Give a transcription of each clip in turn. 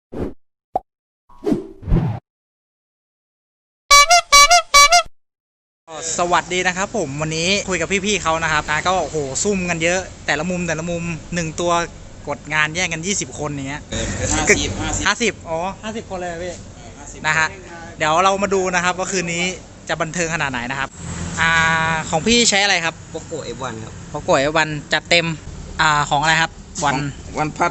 สวัสดีนะครับผมวันนี้คุยกับพี่ๆเขานะครับก็โอ้โหซุ่มกันเยอะแต่ละมุม1ตัวกดงานแย่งกัน20คนอย่างเงี้ย50อ๋อ50คนเลยพี่นะฮะเดี๋ยวเรามาดูนะครับว่าคืนนี้จะบันเทิงขนาดไหนนะครับของพี่ใช้อะไรครับโปโก้ F1 ครับโปโก้ F1 จัดเต็มของอะไรครับวันพัด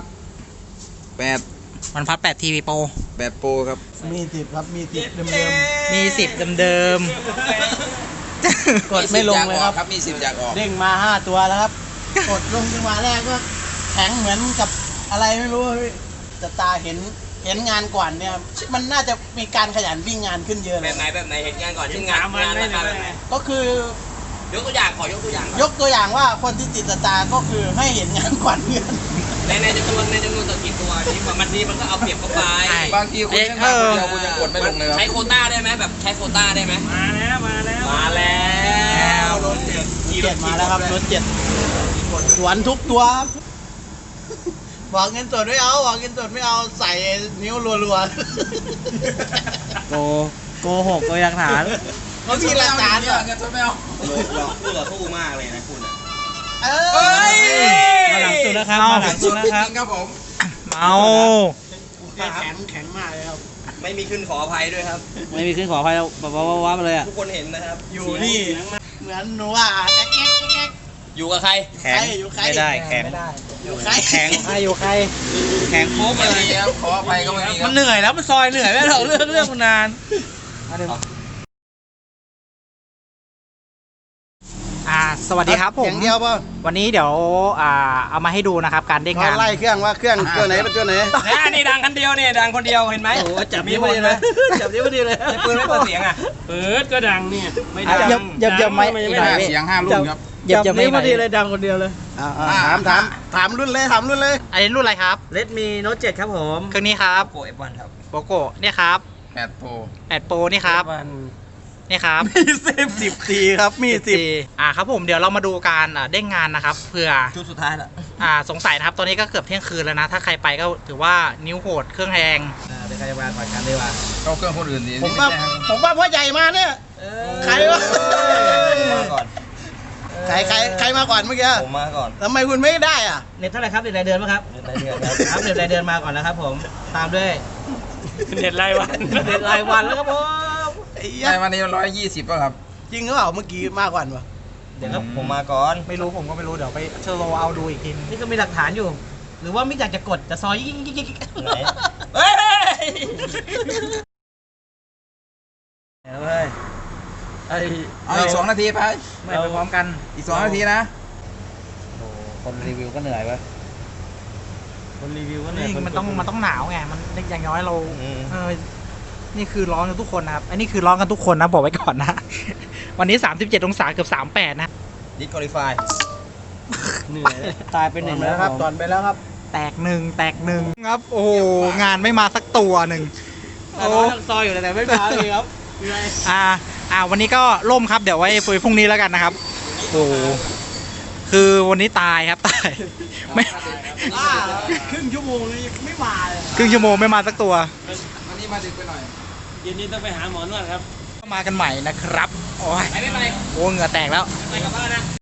8 TV Pro 8 Pro ครับมี10ครับมี10เดิมมี10เดิมกดไม่ลงเลยครับมี10อยากออกเด้งมา5ตัวแล้วครับกดลงจังหวะแรกก็แข็งเหมือนกับอะไรไม่รู้แต่ตาเห็นงานก่อนเนี่ยมันน่าจะมีการขยันวิ่งงานขึ้นเยอะเลยแบบไหนเห็นงานก่อนที่งานนะครับก็คือยกตัวอย่างยกตัวอย่างว่าคนที่ติดตาก็คือให้เห็นงานก่อนเพื่อนในจำนวนตัวกี่ตัวนี่มันก็เอาเปรียบเข้าไปบางทีคุณยังกดไม่ลงเลยใช้โควต้าได้ไหมแบบใช้โควต้าได้ไหมมาแล้วรถ7มาแล้วครับรถ7สวนทุกตัวบอกเงินสดไม่เอาใส่นิ้วรัวๆโกหกโดยหลักฐานเขามีหลักฐานเงินสดไม่เอาคู่ต่อสู้มากเลยนะคุณมาหลังสุดนะครับครับผมเอาแข็งมากเลยครับไม่มีขึ้นขออภัยด้วยครับไม่มีขึ้นขออภัยว้ามาเลยอ่ะทุกคนเห็นนะครับอยู่นี่เหมือนหนูว่าอยู่กับใครแข็งไม่ได้แข็งอยู่ใครแข็งอยู่ใครแข็งโค้งเลยครับขออภัยก็ไม่มีมันเหนื่อยแล้วมันซอยเหนื่อยไม่หรอกเรื่องมันนานสวัสดีครับผมอย่างเดียวป่ะวันนี้เดี๋ยวเอามาให้ดูนะครับการเด้งงานไล่เครื่องว่าเครื่องตัวไหนเป็นตัวไหนนี่ดังคนเดียวเนี่ยดังคนเดียวเห็นไหมโอ้จับนิ้วพอดีเลยจับนิ้วพอดีเลยปืนไม่เปิดเสียงอ่ะเปิดก็ดังเนี่ยไม่ดังยับไม่เสียง5 รุ่นครับจับนิ้วพอดีเลยดังคนเดียวเลยถามรุ่นเลยอันนี้รุ่นอะไรครับ Redmi Note 7ครับผมเครื่องนี้ครับโปร F1 ครับโปโก้เนี่ยครับ 8 Pro นี่ครับนี่ครับมี10ทีครับมี10 ครับผมเดี๋ยวเรามาดูการเด้งงานนะครับเผื่อชุดสุดท้ายละสงสัยนะครับตอนนี้ก็เกือบเที่ยงคืนแล้วนะถ้าใครไปก็ถือว่านิ้วโหดเครื่องแรงเดี๋ยวใครจะมาก่อนกันดีกว่าเข้าเครื่องคนอื่นดีผมว่าพ่อใหญ่มาเนี่ยใครวะมาก่อนใครมาก่อนเมื่อกี้ผมมาก่อนทำไมคุณไม่ได้อ่ะเน็ตเท่าไหร่ครับเน็ตรายเดือนมั้งครับเน็ตรายเดือนครับเน็ตรายเดือนมาก่อนนะครับผมตามด้วยเน็ตรายวันแล้วครับผมรายวันนี้120ป่ะครับจริงหรือเปล่าเมื่อกี้มากกว่าปะเดี๋ยวครับผมมาก่อนไม่รู้ผมก็ไม่รู้เดี๋ยวไปเชอร์โลเอาดูอีกทีนี่ก็มีหลักฐานอยู่หรือว่าไม่อยากจะกดจะซอยยิ่งไหนเฮ้ยเอาอีก2 นาทีไปไม่ไปพร้อมกันอีก2 นาทีนะโอ้คนรีวิวก็เหนื่อยเว้ยคนรีวิวก็เหนื่อยมันต้องหนาวไงมันอย่างน้อยเรานี่คือร้อนกันทุกคนนะครับอันนี้คือร้อนกันทุกคนนะบอกไว้ก่อนนะวันนี้37 องศาเกือบ38นะ Disqualify เหนื่อยตายไป1แล้วครับตอนไปแล้วครับแตกหนึ่งครับโอ้โหงานไม่มาสักตัวหนึ่งโอ้ซอยอยู่แต่ไม่มาเลยครับวันนี้ก็ล่มครับเดี๋ยวไว้คุยพรุ่งนี้แล้วกันนะครับโอ้คือวันนี้ตายครับตายไม่ครึ่งชั่วโมงเลยไม่มาเลยครึ่งชั่วโมงไม่มาสักตัววันนี้มาดึกไปหน่อยเย็นนี้ต้องไปหาหมอนวดครับมากันใหม่นะครับโอ้ยไม่ไปโอ้เหงื่อแตกแล้วไปกลับบ้านนะ